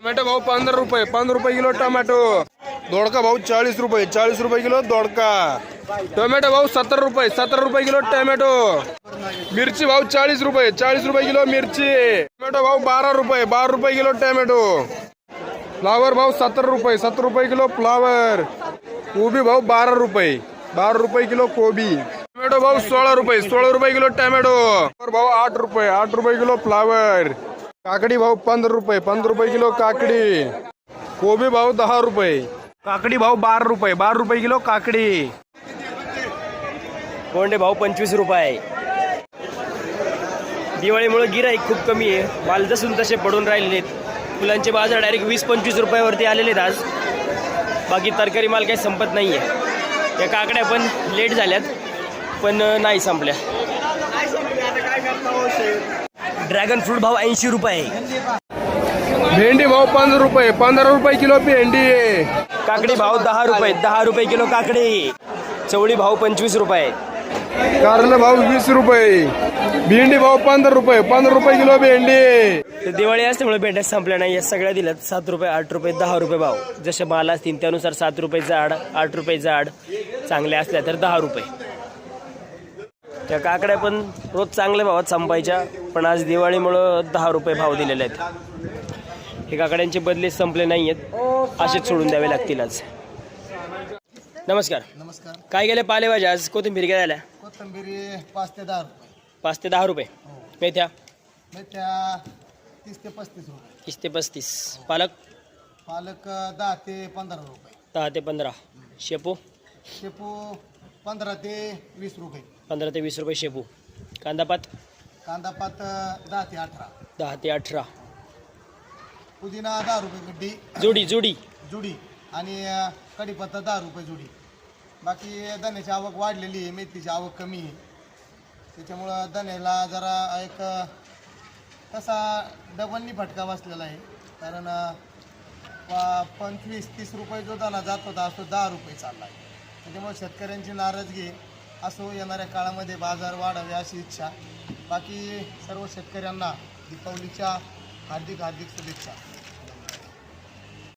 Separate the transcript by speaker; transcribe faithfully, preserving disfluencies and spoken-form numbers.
Speaker 1: Tomato भाऊ पंधरा रुपये पंधरा रुपये किलो टोमॅटो। दोडका भाऊ चाळीस रुपये चाळीस रुपये किलो दोडका। टोमॅटो भाऊ सत्तर रुपये सत्तर रुपये किलो टोमॅटो। मिरची भाऊ चाळीस रुपये चाळीस रुपये किलो मिरची। टोमॅटो भाऊ बारा रुपये बारा रुपये किलो टोमॅटो। फ्लावर भाऊ सत्तर रुपये सत्तर रुपये किलो फ्लावर। कोबी भाऊ बारा रुपये बारा रुपये किलो कोबी। टोमॅटो भाऊ सोळा रुपये सोळा रुपये किलो टोमॅटो। भाऊ आठ रुपये आठ रुपये किलो फ्लावर। काकडी भाऊ पंधरा रुपये पंधरा रुपये किलो काकडी। कोबी भाऊ दहा रुपये। काकडी भाऊ बारा रुपये बारा रुपये किलो काकडी।
Speaker 2: कोंडे भाऊ पंचवीस रुपये। दिवाळीमुळे गिराईक खूप कमी आहे, माल जसून तसे पडून राहिलेले आहेत। फुलांचे बाजार डायरेक्ट वीस पंचवीस रुपयावरती आलेले आहेत आज। बाकी तरकारी माल काही संपत नाही आहे। या काकड्या पण लेट झाल्यात पण नाही संपल्या। ड्रॅगन फ्रूट भाव ऐंशी रुपये।
Speaker 1: भेंडी भाऊ पंधरा रुपये पंधरा रुपये किलो भेंडी।
Speaker 2: काकडी भाव दहा रुपये दहा रुपये किलो काकडी। चवळी भाव पंचवीस रुपये।
Speaker 1: कारले भाऊ वीस रुपये। भेंडी भाऊ पंधरा रुपये पंधरा रुपये किलो भेंडी।
Speaker 2: दिवाळी असल्यामुळे भेंड्या संपल्या नाही, या सगळ्या दिल्यात सात रुपये आठ रुपये दहा रुपये भाव। जसे माल असतील त्यानुसार सात रुपये जाड आठ रुपये जाड, चांगल्या असल्या तर दहा रुपये। त्या काकड्या पण रोज चांगल्या भावात संपायच्या, पण आज दिवाळीमुळं दहा रुपये भाव दिलेले आहेत। हे काकड्यांचे बदले संपले नाही आहेत, असेच सोडून द्यावे लागतील आज। नमस्कार
Speaker 3: नमस्कार।
Speaker 2: काय गेले पालेभाज्या आज? कोथिंबीर काय झाल्या?
Speaker 3: कोथिंबीर पाच ते दहा रुपये।
Speaker 2: पाच ते दहा रुपये। मेथ्या
Speaker 3: मेथ्या तीस ते पस्तीस रुपये।
Speaker 2: तीस ते पस्तीस। पालक
Speaker 3: पालक दहा ते पंधरा रुपये।
Speaker 2: दहा ते पंधरा। शेपू
Speaker 3: शेपू पंधरा ते वीस रुपये।
Speaker 2: पंधरा ते वीस रुपये शेपू। कांदापात
Speaker 3: कांदापात दहा ते अठरा।
Speaker 2: दहा ते अठरा।
Speaker 3: पुदिना दहा रुपये गड्डी
Speaker 2: जोडी जोडी
Speaker 3: जुडी आणि कढीपत्ता दहा रुपये जुडी। बाकी धन्याची आवक वाढलेली आहे, मेथीची आवक कमी आहे, त्याच्यामुळं धन्याला जरा एक तसा डबलनी फटका बसलेला आहे। कारण पंचवीस तीस रुपये जो दाना जात होता तो दहा रुपये चालला आहे। त्याच्यामुळे शेतकऱ्यांची नाराजगी असो, येणाऱ्या काळामध्ये बाजार वाढावे अशी इच्छा। बाकी सर्व शेतकऱ्यांना दीपावलीच्या हार्दिक हार्दिक शुभेच्छा।